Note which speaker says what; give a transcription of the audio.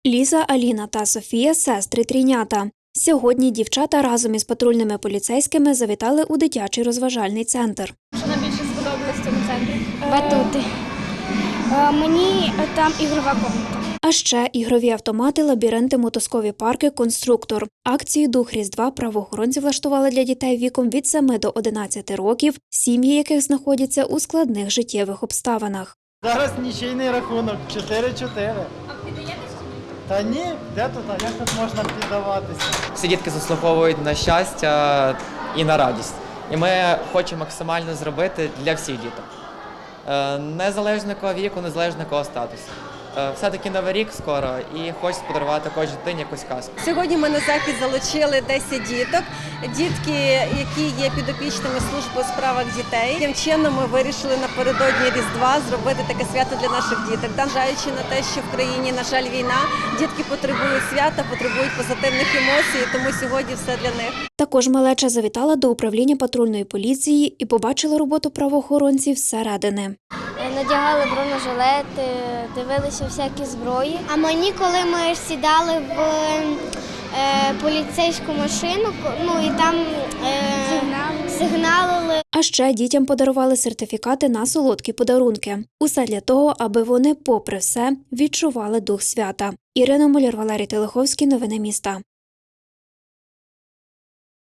Speaker 1: Ліза, Аліна та Софія – сестри-трійнята. Сьогодні дівчата разом із патрульними поліцейськими завітали у дитячий розважальний центр.
Speaker 2: Що найбільше сподобалось в цьому центрі?
Speaker 3: Батути. Мені там ігрова комната.
Speaker 1: А ще ігрові автомати, лабіринти, мотузкові парки, конструктор. Акцію «Дух Різдва» правоохоронці влаштували для дітей віком від 7 до 11 років, сім'ї яких знаходяться у складних життєвих обставинах.
Speaker 4: Зараз нічийний рахунок 4-4.
Speaker 2: А піддаєтесь чи ні?
Speaker 4: Та ні, де тут, а як тут можна піддаватися?
Speaker 5: Всі дітки заслуговують на щастя і на радість. І ми хочемо максимально зробити для всіх діток. Незалежно якого віку, незалежно якого статусу. Все-таки Новий рік скоро і хочеться подарувати кожній дитині якусь казку.
Speaker 6: Сьогодні ми на захід залучили 10 діток. Дітки, які є підопічними служби у справах дітей. Таким чином ми вирішили напередодні Різдва зробити таке свято для наших діток. Зважаючи на те, що в країні, на жаль, війна, дітки потребують свята, потребують позитивних емоцій, тому сьогодні все для них.
Speaker 1: Також малеча завітала до управління патрульної поліції і побачила роботу правоохоронців зсередини.
Speaker 3: Надягали бронежилети, дивилися всякі зброї. А мені, коли ми сідали в поліцейську машину, і там сигналили.
Speaker 1: А ще дітям подарували сертифікати на солодкі подарунки. Усе для того, аби вони, попри все, відчували дух свята. Ірина Муляр, Валерій Телеховський. Новини міста.